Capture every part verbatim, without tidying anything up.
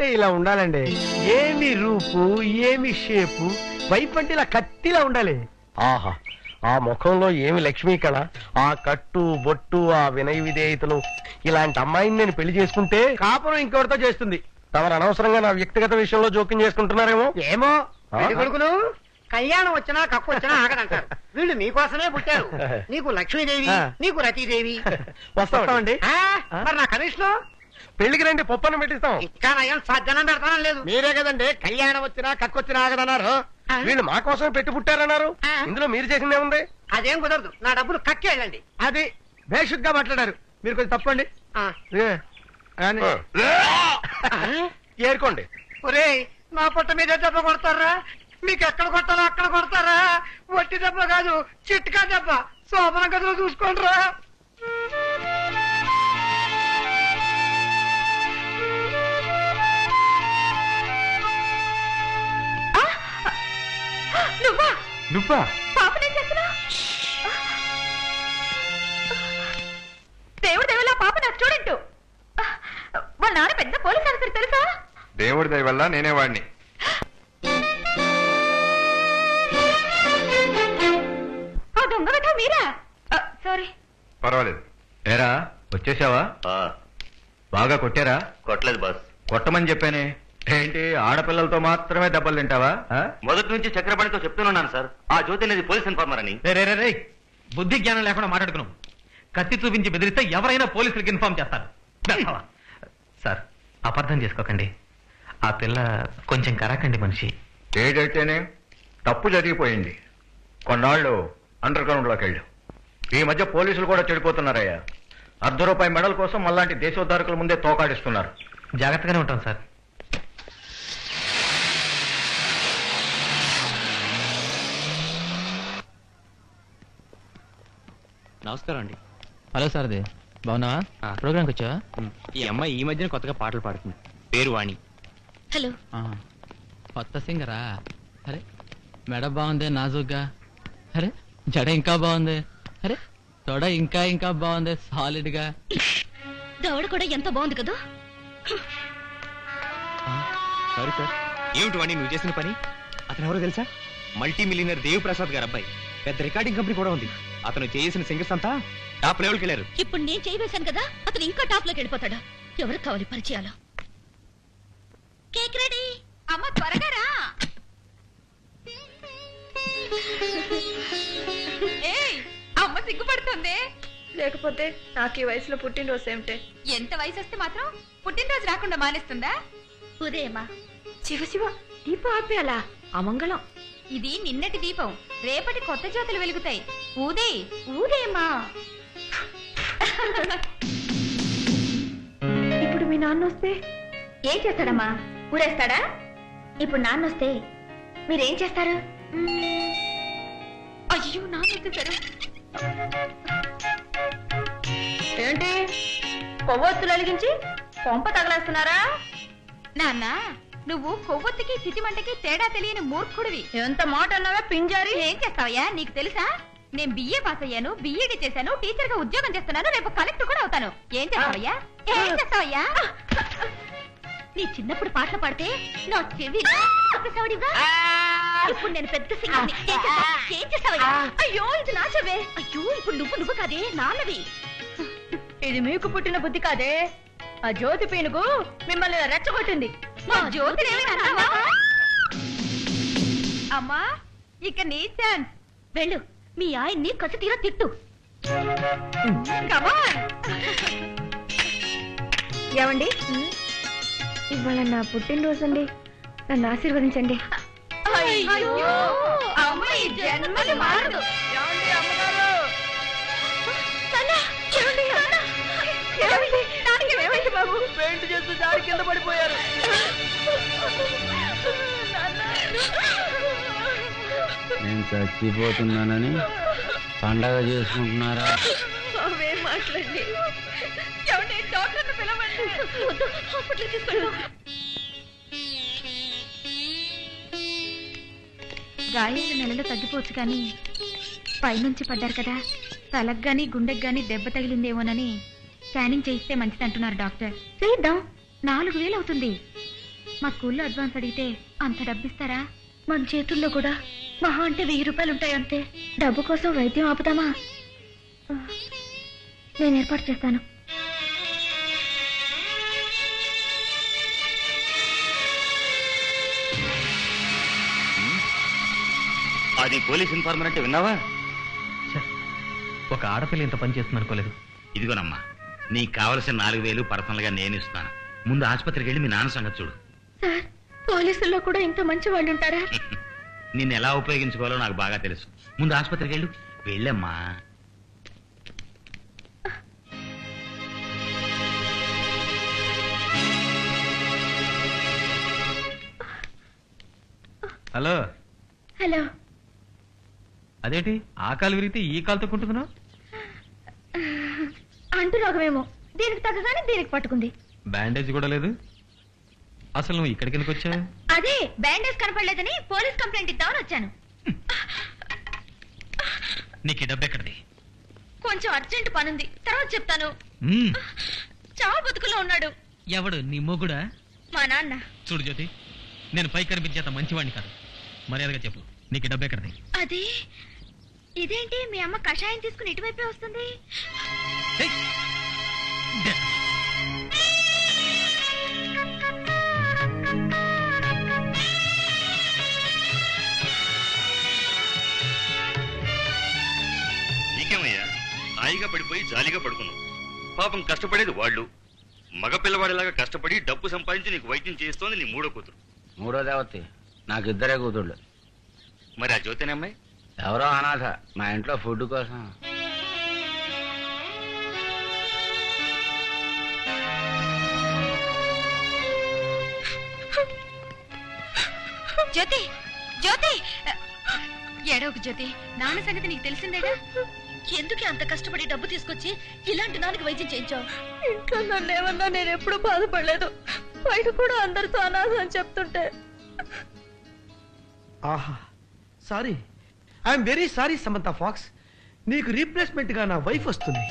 అంటే ఇలా ఉండాలండి. ఏమి రూపు, ఏమి షేపు, వైఫ్ అంటే ఇలా కత్తిలా ఉండాలి. ఆహా, ఆ ముఖంలో ఏమి లక్ష్మీ కళ, ఆ కట్టు బొట్టు, ఆ వినయ విధేయతలు. ఇలాంటి అమ్మాయిని నేను పెళ్లి చేసుకుంటే కాపురం ఇంకెవరితో చేస్తుంది. తమరు అనవసరంగా నా వ్యక్తిగత విషయంలో జోక్యం చేసుకుంటున్నారేమో. ఏమో కొడుకులు కళ్యాణం వచ్చినా కక్కు వచ్చినా ఆగదంటారు. వీళ్ళు మీకోసమే పుట్టారు. నీకు లక్ష్మీదేవి, నీకు రతీదేవి. వస్తామండి. మరి నా కమిషన్ పెళ్లికి రండి, పప్పన్న పెట్టిస్తాం. ఇంకా నయం సాధ్యనం పెడతానం లేదు. మీరే కదండి కళ్యాణం వచ్చినా కక్కు వచ్చినా ఆగదన్నారు. వీళ్ళు మా కోసమే పెట్టి పుట్టారన్నారు. ఇందులో మీరు చేసిందే ఉంది. అదేం కుదరదు, నా డబ్బులు కక్కి వెళ్ళండి. అది బేషుగ్గా మాట్లాడారు. మీరు కొంచెం తప్పండి. ఏరుకోండి. ఒరే, నా పొట్ట మీద దెబ్బ కొడతారా? మీకు ఎక్కడ కొట్టాలో అక్కడ కొడతారా? వట్టి దెబ్బ కాదు, చిట్కా దెబ్బ. శోభన గదిలో చూసుకోండిరా. నువ్వా నువ్వా పాపనేం చేస్తున్నా? దేవుడు దేవుళ్ళ పాప నా స్టూడెంట్. వాళ్ళ నాన్న పెద్ద పోలీస్ ఆఫీసర్ తెలుసా? దేవుడి దయ వల్ల నేనే వాడిని. ఆ దొంగ వెధవ మీరా? సారీ. పర్వాలేదు. ఏరా వచ్చేసావా? బాగా కొట్టారా? కొట్టలేదు బాస్. కొట్టమని చెప్పానే. ఏంటి ఆడపిల్లలతో మాత్రమే దెబ్బలు తింటావా? మొదటి నుంచి చక్రపాణితో చెప్తున్నాను సార్, ఆ జ్యోతి అనేది పోలీస్ ఇన్ఫార్మర్ అని. బుద్ధి జ్ఞానం లేకుండా మాట్లాడుకున్నాం. కత్తి చూపించి బెదిరిస్తే ఎవరైనా పోలీసులకు ఇన్ఫార్మ్ చేస్తారు. సార్, అపార్థం చేసుకోకండి. ఆ పిల్ల కొంచెం కరాకండి మనిషి. ఏదైతేనే తప్పు జరిగిపోయింది. కొన్నాళ్ళు అండర్ గ్రౌండ్ లోకి వెళ్ళు. ఈ మధ్య పోలీసులు కూడా చెడిపోతున్నారయ్యా. అర్ధ రూపాయి మెడల్ కోసం మళ్ళాంటి దేశోద్ధారకుల ముందే తోకాడిస్తున్నారు. జాగ్రత్తగానే ఉంటాం సార్. నమస్కారం అండి. హలో సార్ది, బాగున్నావా? ప్రోగ్రామ్కి వచ్చావా? ఈ అమ్మాయి ఈ మధ్యన కొత్తగా పాటలు పాడుతుంది. పేరు వాణి. హలో. కొత్త సింగరా? అరే మెడ బాగుంది నాజుగ్గా. అరే జడ ఇంకా బాగుంది. అరే తొడ ఇంకా ఇంకా బాగుంది సాలిడ్ గా. దవడ కూడా ఎంత బాగుంది కదా. Sorry sir. ఏమిటి వాణి నువ్వు చేసిన పని? అతను ఎవరో తెలుసా? మల్టీ మిలియనర్ దేవ్ ప్రసాద్ గారు అబ్బాయి. పెద్ద రికార్డింగ్ కంపెనీ కూడా ఉంది. అతను చేసిన సింగర్స్ అంతా టాప్ లెవెల్కి వెళ్ళారు. ఇప్పుడు నేను చేయవేశాను కదా, అతను ఇంకా టాప్ లోకి వెళ్ళిపోతాడా? ఎవరికి కావాలి పరిచయాలు? Cake ready. అమ్మ త్వరగా రా. ఏయ్, అమ్మ సిగ్గుపడుతుంది. లేకపోతే నాకు ఈ వయసులో పుట్టినరోజు ఏమిటే? ఎంత వయసు వస్తే మాత్రం పుట్టినరోజు రాకుండా మానేస్తుందా? ఉదయమా. శివ శివ, దీపం ఆపేయాలా? అమంగళం. ఇది నిన్నటి దీపం, రేపటి కొత్త జ్యోతులు వెలుగుతాయి. ఊదే ఊదేమా. ఇప్పుడు మీ నాన్న వస్తే ఏం చేస్తాడమ్మా? ఊరేస్తాడా? ఇప్పుడు నాన్న వస్తే మీరేం చేస్తారు? అయ్యో నాన్న వచ్చేసారు. ఏంటి కొవ్వొత్తులు వెలిగించి కొంప తగలేస్తున్నారా? నాన్న, నువ్వు కొవ్వొత్తికి చితిమంటకి తేడా తెలియని మూర్ఖుడివి. ఎంత మాట అన్నావా పింజారి? ఏం చేస్తావయ్యా? నీకు తెలుసా, నేను బిఏ పాస్ అయ్యాను, బిఈడి చేశాను, టీచర్ గా ఉద్యోగం చేస్తున్నాను, రేపు కలెక్టర్ కూడా అవుతాను. ఏం చేస్తావయ్యా? ఏం చేస్తావయ్యా? నీ చిన్నప్పుడు పాటలు పాడితే నా చెవి ఇప్పుడు నేను పెద్ద సింగర్ని. ఏం చేస్తావయ్యా? అయ్యో ఇది నా చెవే. అయ్యో ఇప్పుడు నువ్వు నువ్వు కాదే, నాన్నవి. ఇది మీకు పుట్టిన బుద్ధి కాదే, ఆ జ్యోతి పీనుగు మిమ్మల్ని రెచ్చగొట్టింది. మా జ్యోతి అమ్మా, ఇక నీ ఛాన్స్. వెళ్ళు, మీ ఆయన్ని కసి తీరా తిట్టు. ఏమండి, ఇవాళ నా పుట్టినరోజు అండి, నన్ను ఆశీర్వదించండి. అయ్యో అమ్మ ఈ జన్మది మారదు. బాబు పెయింట్ చేస్తూ జారి కింద పడిపోయారు. నేను చచ్చిపోతున్నానని పండగ చేసుకుంటున్నారా? అవేం మాట్లాడి డాక్టర్ని పిలవండి. హాస్పిటల్ తీసుకెళ్ళు. గాయాలు నెలలో తగ్గిపోవచ్చు కానీ పైనుంచి పడ్డారు కదా, తలకు గాని గుండెకి గాని దెబ్బ తగిలిందేమోనని స్కానింగ్ చేయిస్తే మంచిది అంటున్నారు డాక్టర్. చేద్దాం. నాలుగు వేలు అవుతుంది. మా స్కూల్లో అడ్వాన్స్ అడిగితే అంత డబ్బిస్తారా? మన చేతుల్లో కూడా మహా అంటే వెయ్యి రూపాయలు ఉంటాయి అంతే. డబ్బు కోసం వైద్యం ఆపుతామా? నేను ఏర్పాటు చేస్తాను. అది పోలీస్ ఇన్ఫార్మర్ అంటే విన్నావా? ఒక ఆడపిల్ల ఇంత పని చేస్తుంది అనుకోలేదు. ఇదిగోనమ్మా, నీకు కావలసిన నాలుగు వేలు పర్సనల్ గా నేను ఇస్తాను. ముందు ఆసుపత్రికి వెళ్ళి మీ నాన్న సంగతి చూడు. సార్, పోలీసుల్లో కూడా ఇంత మంచి వాళ్ళు ఉంటారా? నిన్ను ఎలా ఉపయోగించుకోవాలో నాకు బాగా తెలుసు. ముందు ఆసుపత్రికి వెళ్ళు. వెళ్ళమ్మా. Hello hello. అదేంటి ఆ కాలు విరిగితే ఈ కాలుతో కుంటున్నావు? అంటు రోగమేమో, దీనికి తగ్గగానే దీనికి పట్టుకుంది. బ్యాండేజ్ కూడా లేదు. అసలు నువ్వు ఇక్కడికి ఎందుకు వచ్చావు? అదే బ్యాండేజ్ కనపడలేదని పోలీస్ కంప్లైంట్ ఇద్దామని వచ్చాను. నీకు డబ్బు ఎక్కడిది? కొంచెం అర్జెంట్ పనుంది, తర్వాత చెప్తాను. మ్మ్. చావు బతుకులో ఉన్నాడు. ఎవడు? నీ మొగుడా? మా నాన్న. చూడు జ్యోతి, నేను పై కనిపించేంత మంచివాడిని కాదు. మర్యాదగా చెప్పు, నీకు డబ్బు ఎక్కడిది? అది ఇదేంటి మీ అమ్మ కషాయం తీసుకుని ఇటువైపే వస్తుంది? ఏయ్! దే- నీకేమయ్యా, హాయిగా పడిపోయి జాలీగా పడుకున్నావు. పాపం కష్టపడేది వాళ్ళు. మగ పిల్లవాడిలాగా కష్టపడి డబ్బు సంపాదించి నీకు వైద్యం చేస్తోంది నీ మూడో కూతురు. మూడో దేవతి. నాకు ఇద్దరే కూతుళ్ళు. మరి ఆ జ్యోతిని అమ్మాయి? ఎవరో అనాథ, మా ఇంట్లో ఫుడ్ కోసం. జ్యోతి, జ్యోతి, ఏడవకు జ్యోతి. నాన్న సంగతి నీకు తెలిసిందేగా. ఎందుకు అంత కష్టపడి డబ్బు తీసుకొచ్చి ఇలాంటి నాన్నకి వైద్యం చేయించావు? ఇంట్లో నన్ను ఏమన్నా నేను ఎప్పుడు బాధపడలేదు. బయట కూడా అందరితో అనాథ అని చెప్తుంటే. ఆహా, sorry, I'm very sorry Samantha Fox. నీకు రీప్లేస్మెంట్ గా నా వైఫ్ వస్తుంది.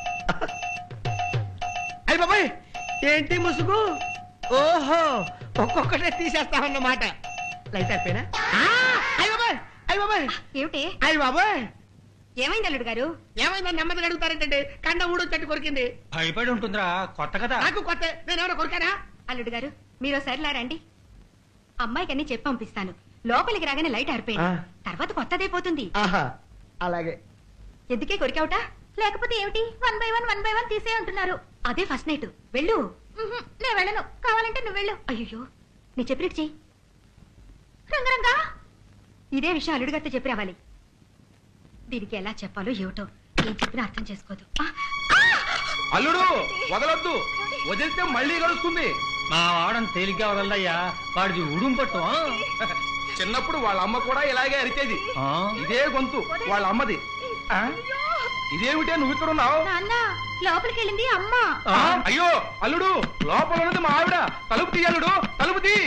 అయ్య బాబాయ్, ఏంటి ముసుగు? ఓహో, ఒక్కొక్కటే తీసేస్తామన్నమాట. లైట్ అయిపోయినా? అయ్య బాబాయ్, అయ్య బాబాయ్, ఏమిటి? అయ్య బాబాయ్, ఏమైంది అల్లుడు గారు? ఏమైందా? నెమ్మదిగా అడుగుతారేంటండి? కండ ఊడు చెట్టు కొరికింది. భయపడి ఉంటుందిరా, కొత్త కదా. నాకు కొత్త, నేను ఎవరో కొరికానా? అల్లుడు గారు, మీరు ఒకసారి రండి. అమ్మాయికి అన్ని చెప్పి పంపిస్తాను. లోపలికి రాగానే లైట్ ఆరిపోయింది, ఆ. తర్వాత కొత్తదైపోతుంది. ఆహా, అలాగే. ఎందుకే కొరికావుట? లేకపోతే ఏమిటి? One by one one by one తీసే అంటున్నారు. అదే ఫస్ట్ నైట్. వెళ్ళు. ఉహుం, నేను వెళ్ళను. కావాలంటే నువ్వు వెళ్ళు. అయ్యో, నీ చెప్పినట్టు చెయ్యి. రంగరంగా ఇదే విషయం అల్లుడు గారితో చెప్పి రావాలి. దీనికి ఎలా చెప్పాలో ఏమిటో, ఏం చెప్పినా అర్థం చేసుకోదు. ఆ, అల్లుడు వదలొద్దు, వదిలితే మళ్ళీ కలుస్తుంది. మా వాడని తేలిగ్గా వదలయ్యా, వాడిది ఉడుం పట్టు. చిన్నప్పుడు వాళ్ళ అమ్మ కూడా ఇలాగే అరిచేది. ఇదే గొంతు వాళ్ళ అమ్మది. ఆ? ఇదేమిటే నువ్వు ఇక్కడ ఉన్నావు? నాన్న, లోపలికి వెళ్ళింది అమ్మ. ఆ, అయ్యో అల్లుడు, లోపల ఉన్నది మా ఆవిడ. తలుపు తీ అల్లుడు, తలుపు తీ.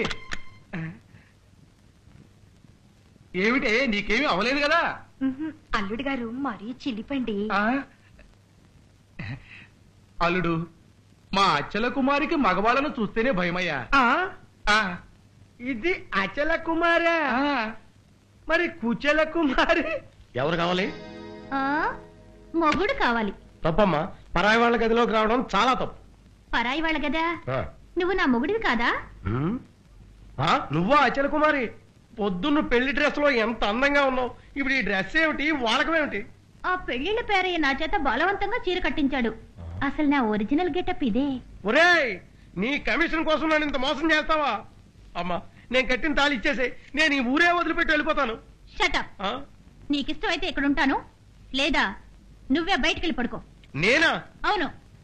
ఏమిటే, నీకేమీ అవలేదు కదా? ఉహుం, అల్లుడు గారు మరీ చిలిపండి. ఆ? అల్లుడు, మా అచ్చల కుమారికి మగవాళ్ళను చూస్తేనే భయమయ్యా. ఆ, ఆ, ఇది అచల కుమారా? ఆ. మరి కుచల కుమారి ఎవరు కావాలి? ఆ, మొగుడు కావాలి. తప్పమ్మా, పరాయి వాళ్ళ గదిలోకి రావడం చాలా తప్పు. పరాయి వాళ్ళ గదా? ఆ. నువ్వు నా మొగుడివి కాదా? ఉమ్. ఆ, నువ్వా అచల కుమారి? పొద్దున్న పెళ్లి డ్రెస్ లో ఎంత అందంగా ఉన్నావు. ఇప్పుడు ఈ డ్రెస్ ఏమిటి, వాడకమేమిటి? ఆ పెళ్లిళ్ళ పేరయ్య నా చేత బలవంతంగా చీర కట్టించాడు. అసలు నా ఒరిజినల్ గెటప్ ఇదే. ఒరేయ్, నీ కమిషన్ కోసం నన్ను ఇంత మోసం చేస్తావా? అమ్మా, నేను కట్టిన తాళి ఇచ్చేసే, నేను ఈ ఊరే వదిలిపెట్టి వెళ్ళిపోతాను. షటప్. ఆ? నీకిష్టం అయితే ఇక్కడ ఉంటాను, లేదా నువ్వే బయటికి వెళ్ళి పడుకో. నేనా? అవును.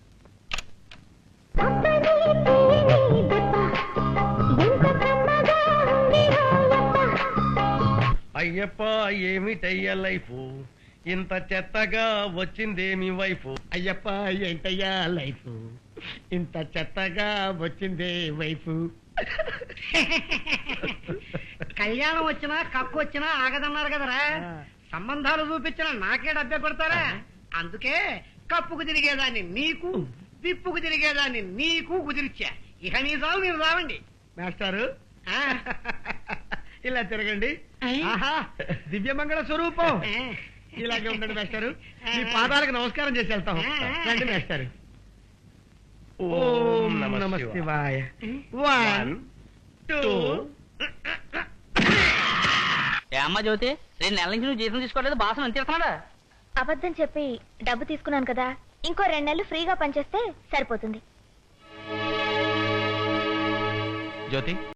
అయ్యప్ప, ఏమిటయ్యా లైఫ్, ఇంత చెత్తగా వచ్చిందేమి వైఫ్. అయ్యప్ప, ఏంటయ్యా లైఫ్, ఇంత చెత్తగా వచ్చిందే వైఫ్. కళ్యాణం వచ్చినా కక్కు వచ్చినా ఆగదన్నారు కదరా. సంబంధాలు చూపించిన నాకే డబ్బే కొడతారా? అందుకే కప్పుకు తిరిగేదాన్ని నీకు, విప్పుకు తిరిగేదాన్ని నీకు కుదిరిచ్చా. ఇక నీ సాగు మీరు రావండి. మాస్టారు ఇలా తిరగండి. ఆహా దివ్యమంగళ స్వరూపం. ఇలాగే ఉండండి మాస్టారు. మీ పాదాలకు నమస్కారం చేసి వెళ్తాం. రండి మాస్టారు. ఓం నమ శివాయ. One two. ఏ అమ్మ జ్యోతి, రెండు నెలల నుంచి నువ్వు జీతం తీసుకోవట్లేదు, బాసం ఎంత ఇస్తున్నాడా? అబద్ధం చెప్పి డబ్బు తీసుకున్నాను కదా, ఇంకో రెండు నెలలు ఫ్రీగా పనిచేస్తే సరిపోతుంది. జ్యోతి